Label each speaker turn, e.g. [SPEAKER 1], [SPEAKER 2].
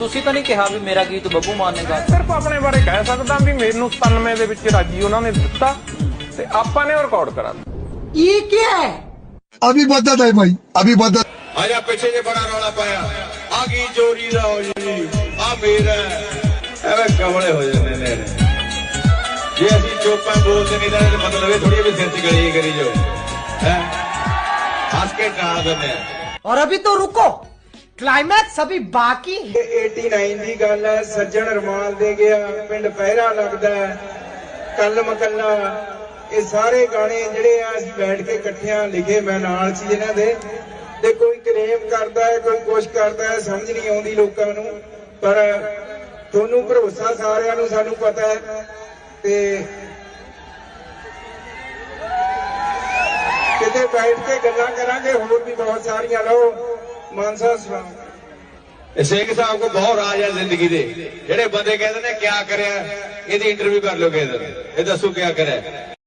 [SPEAKER 1] ਤੁਸੀਂ ਤਾਂ ਨਹੀਂ ਕਿਹਾ ਵੀ ਮੇਰਾ ਗੀਤ ਬੱਬੂ ਮਾਨ ਨੇ ਗਾਇਆ।
[SPEAKER 2] ਸਿਰਫ ਆਪਣੇ ਬਾਰੇ ਕਹਿ ਸਕਦਾ ਵੀ ਮੈਨੂੰ 97 ਦੇ ਵਿੱਚ ਰਾਜੀ ਉਹਨਾਂ ਨੇ ਦਿੱਤਾ ਤੇ ਆਪਾਂ ਨੇ ਰਿਕਾਰਡ ਕਰਾ ਦਿੱਤਾ।
[SPEAKER 3] ये क्या है?
[SPEAKER 4] अभी बदत है भाई, अभी बदत।
[SPEAKER 5] आजा पिछे जे बड़ा रौला पाया आ गई चोरी दा हो जी आ मेरा एवे कमले हो जाने ने जे असि चोपा बोलते नहीं तो मतलब ये थोड़ी भी सिर च गली करी जो है हंस के टाल देने।
[SPEAKER 3] और अभी तो रुको, क्लाइमैक्स अभी बाकी है।
[SPEAKER 6] 89 ਦੀ ਗੱਲ ਹੈ। ਸੱਜਣ ਰਮਾਲ ਦੇ ਗਿਆ, ਪਿੰਡ ਪਹਿਰਾ ਲੱਗਦਾ, ਕੱਲ ਮਕੱਲਾ, ਇਹ ਸਾਰੇ ਗਾਣੇ ਜਿਹੜੇ ਆ ਅਸੀਂ ਬੈਠ ਕੇ ਇਕੱਠਿਆਂ ਲਿਖੇ, ਮੈਂ ਨਾਲ ਸੀ ਇਹਨਾਂ ਦੇ। ਤੇ ਕੋਈ ਕਲੇਮ ਕਰਦਾ ਹੈ, ਕੋਈ ਕੁਛ ਕਰਦਾ ਹੈ, ਸਮਝ ਨਹੀਂ ਆਉਂਦੀ ਲੋਕਾਂ ਨੂੰ, ਪਰ ਤੁਹਾਨੂੰ ਭਰੋਸਾ ਸਾਰਿਆਂ ਨੂੰ ਸਾਨੂੰ ਪਤਾ ਹੈ। ਤੇ ਕਿਤੇ ਬੈਠ ਕੇ ਗੱਲਾਂ ਕਰਾਂਗੇ, ਹੋਰ ਵੀ ਬਹੁਤ ਸਾਰੀਆਂ। ਲਓ ਮਾਨਸਾ ਸੁਣਾਓ।
[SPEAKER 5] ਸਿੰਘ ਸਾਹਿਬ ਕੋ ਬਹੁਤ ਰਾਜ ਹੈ ਜ਼ਿੰਦਗੀ ਦੇ। ਜਿਹੜੇ ਬੰਦੇ ਕਹਿੰਦੇ ਨੇ ਕਿਆ ਕਰਿਆ, ਇਹਦੀ ਇੰਟਰਵਿਊ ਕਰ ਲਓ ਕਿਸੇ ਦਿਨ, ਇਹ ਦੱਸੋ ਕਿਆ ਕਰਿਆ।